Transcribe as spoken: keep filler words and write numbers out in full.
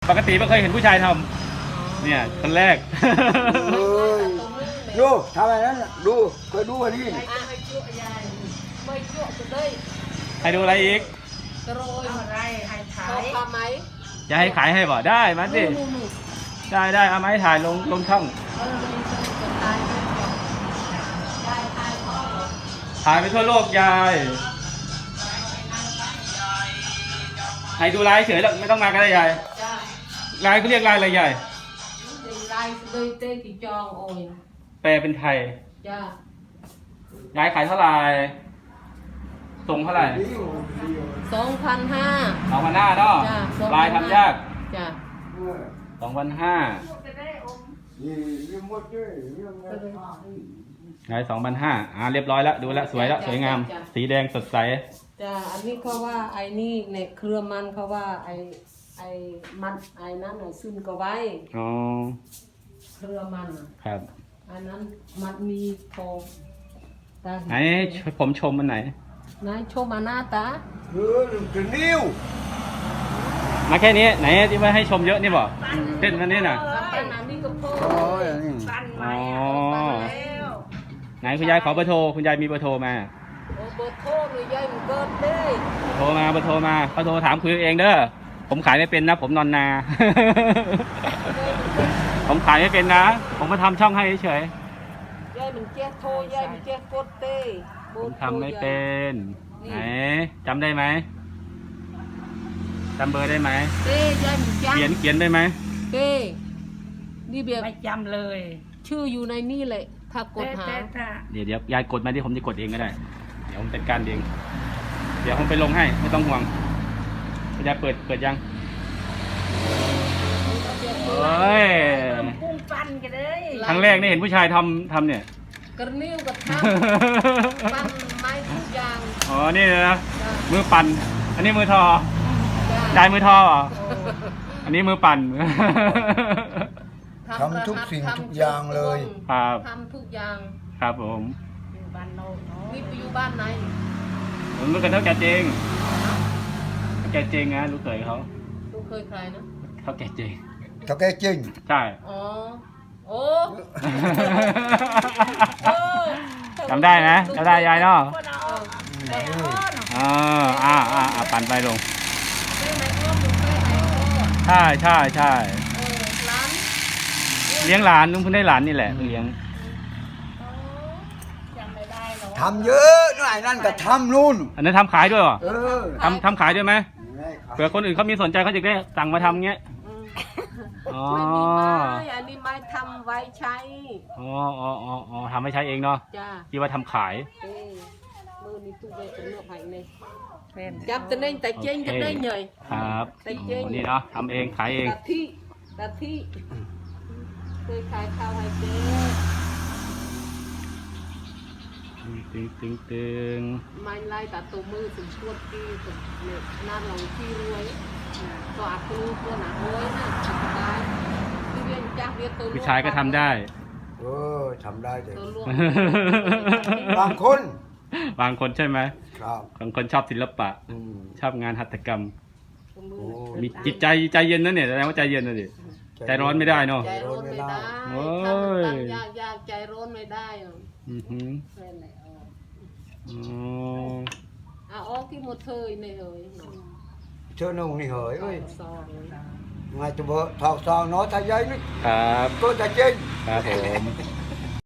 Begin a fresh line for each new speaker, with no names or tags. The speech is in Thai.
ปกติไม่เคยเห็นผู้ชายทำเนี่ยคนแรก
เอ้ยดูทำอะไรนั้นน่ะดูเคยดูอันนี้
ไม่ชั่วยายไม่ชั่วจะได้
ให้ดูอะไรอีก
กระโรยอะไรให้ถ่ายทำไหม
จะให้ขายให้บ่ได้มาสิได้ได้เอามาให้ถ่ายลงลงช่อง
เออมีคนตายด้วยยายตายพ่อ
ถ่ายไปทั่วโลกยายให้ดูลายเฉยแล้วไม่ต้องมาก็ได้ยาย
จ้า
ลายเขาเรียกลายอะไรยาย
ลายเลยเต้กี่จองโอ้ย
แปลเป็นไทย
จ้าย
ายขายเท่าไหร่ส่งเท่าไหร่
สองพันห้า
สองพันห้าเนาะ
จ้า
ลายทำยาก
จ้า
สองพันห้า
นี่เรื่องหมดเลยเรื่องอะไร
ลายสองพันห้าอ่าเรียบร้อยแล้วดูแลวสวยแล้วสวยงาม สีแดงสดใส
จ้าอันนี้เขาว่าไอ้นี่ในเครือมันเขาว่าไอ้ไอ้มันไอ้นั้นไอ้ซุนก็ไว้
อ๋อ
เครือมันอ่ะ
ครับ
อันนั้นมันมีทองตา
ไหนผมชมมันไหน
นายชมอานาตา
เออถึงนิ้ว
มาแค่นี้ไหนที่ว่าให้ชมเยอะนี่บอกเต้นมันนี่น่ะ
ปันอันนี้ก็พ่อ
โอ้ยอันนี้
อ๋อไหนคุณยายขอเบอร์โทรคุณยายมีเบอร์โทรมา
โอ้เบอร์โทรหรือยายมันเกิดได้
โทรมาเบอร์โทรมาเขาโทรถามคุยเองเด้อผมขายไม่เป็นนะผมนอนนา ผมขายไม่เป็นนะ ผมมาทำช่องให้เฉย
ยายมันแจ้โทรยายมันแจ้กดเต้
ๆผมทำไม่เป็นไหนจำได้ไหมจำเบอร์ได้ไหม
เต้ยายมันจ้
เขียนเขียนได้ไหม
เต้นี่เบีย
ไม่จำเลย
ชื่ออยู่ในนี่เลยถ้ากดหา
แต่ถ้า
เดี๋ยวเดี๋ยวยายกดมาที่ผมจะกดเองก็ได้เดี๋ยวผมจัดการเองเดี๋ยวผมไปลงให้ไม่ต้องห่วงคุณยายเปิดเปิดยังเฮ้ย
พุ่งฟันกันเลย
ครั้งแรกนี่เห็นผู้ชายทำทำเนี่ย
กระนิ้วกระทำปั้นไม้ทุกอย่าง
อ๋อ นี่เลยนะ
จ้า
มือปั่น อันนี้มือทอ
จ้า
ยายมือทอเหรออันนี้มือปั่น
ทำทุกสิ่งทุกอย่างเลย
ครับ
ทำทุกอย่าง
ครับผม
อยู่บ้านโน้นเนาะ
นี่ไปอยู่บ้านไหน
ผมรู้กันเท่าแก่เจงเท่าแก่เจงนะรู้เคยเขา
ลูกเคยใครนะ
เท่าแก่เจง
ถ้าแกจริง
ใช่
อ๋อ โอ้
จำได้นะจำได้ยายเนาะ
คนเอา
เออ
อ่าอ่าอ่าอ่าปั่นไปลง
เคยไหนอ้อมลูกเคยไหนอ้อม
ใช่ใช่ใช่
เออร้าน
เลี้ยงหลานลุงเพิ่งได้หลานนี่แหละเพิ่งเลี้ยง
จำไม่ได้หรอก
ทำเยอะหน่อยนั่นก็ทำนู่น
อันนั้นทำขายด้วยเหรอ
เออ
ทำทำขายด้วยไหมเผื่อคนอื่นเขามีสนใจเขาจะได้สั่งมาทำเงี้ย
อืม
อ๋อ
ไม่มีไม้อันนี้ไม้ทำไว้ใช้
อ๋ออ๋ออ๋ออ๋อทำให้ใช้เองเนาะ
จ้า
ที่ว่าทำขาย
เอ้ยมือนี่ตู้ใบเป็นเนื้อไผ่เนี่ย
เป็น
จับตะเน่งแต่เจ๊งจะได้เหนื่อย
ครับ
ใส่เจ๊ง
อ๋อนี่เนาะทำเองขายเอง
ตะที่ตะที่เคยขายข้าวให้เจ๊
ตึงตึงตึง
ไม้ไล่ตาตัวมือถึงชวดที่ถึงเนี่ยนั่นเราที่รวยตัวอักลูกตัวหนาโอ้ยนะสบายที่เรียนจักเรียนตัว
ผู้ชายก็ทำได้
เออทำได้แต่
ตัวลวง
บางคน
บางคนใช่ไหม
ครับ
บางคนชอบศิลปะ
อืม
ชอบงานหัตถกรรม
ตัวมือ
โอ้
มีจิตใจใจเย็นนะเนี่ยแสดงว่าใจเย็นนะดิใจร้อนไม่ได้เนาะ
ใจร้อนไม่ได้
โอ้ย
ทำมันยากยากใจร้อนไม่ได้อ่ะ
อือหือ
แค่ไหนเอา
อ๋อ
เอาออกที่หมดเธอในเอ๋ยหนู
เชื่อนุ่งนี่เหยเอ้ย
ซองเลย
ไงตัวเบอร์ทอกซองน้อยทายใหญ่นึก
ครับ
ตัวจะจริง
ครับผม